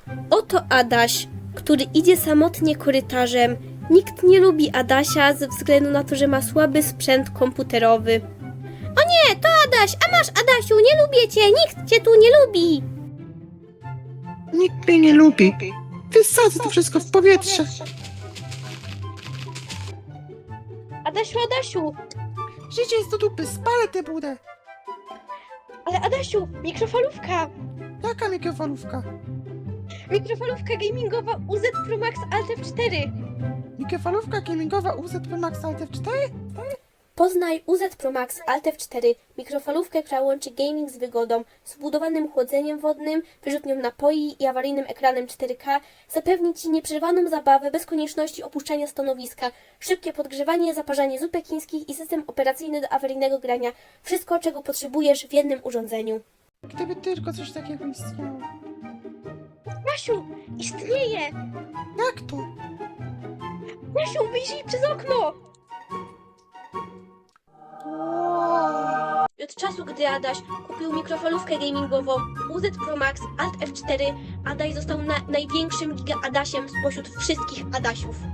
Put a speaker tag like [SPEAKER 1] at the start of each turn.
[SPEAKER 1] Oto Adaś, który idzie samotnie korytarzem. Nikt nie lubi Adasia ze względu na to, że ma słaby sprzęt komputerowy. O nie, to Adaś, a masz Adasiu, nie lubię cię, nikt cię tu nie lubi.
[SPEAKER 2] Nikt mnie nie lubi. Wysadzę to wszystko w powietrze.
[SPEAKER 1] Adasiu, Adasiu,
[SPEAKER 2] Życie jest do dupy, spalę tę budę.
[SPEAKER 1] ale Adasiu, mikrofalówka.
[SPEAKER 2] Jaka mikrofalówka?
[SPEAKER 1] Mikrofalówka gamingowa UZ Pro Max Alt F4.
[SPEAKER 2] Mikrofalówka gamingowa UZ Pro Max Alt F4?
[SPEAKER 1] Poznaj UZ Pro Max Alt F4, mikrofalówkę, która łączy gaming z wygodą, z wbudowanym chłodzeniem wodnym, wyrzutnią napoi i awaryjnym ekranem 4K, zapewni Ci nieprzerwaną zabawę bez konieczności opuszczania stanowiska, szybkie podgrzewanie, zaparzanie zupek chińskich i system operacyjny do awaryjnego grania. Wszystko, czego potrzebujesz w jednym urządzeniu.
[SPEAKER 2] Gdyby tylko coś takiego istniało.
[SPEAKER 1] Basiu, istnieje!
[SPEAKER 2] Jak to?
[SPEAKER 1] Basiu, wyjrzyj przez okno! I od czasu, gdy Adaś kupił mikrofalówkę gamingową UZ Pro Max Alt F4, Adaś został największym giga Adasiem spośród wszystkich Adasiów.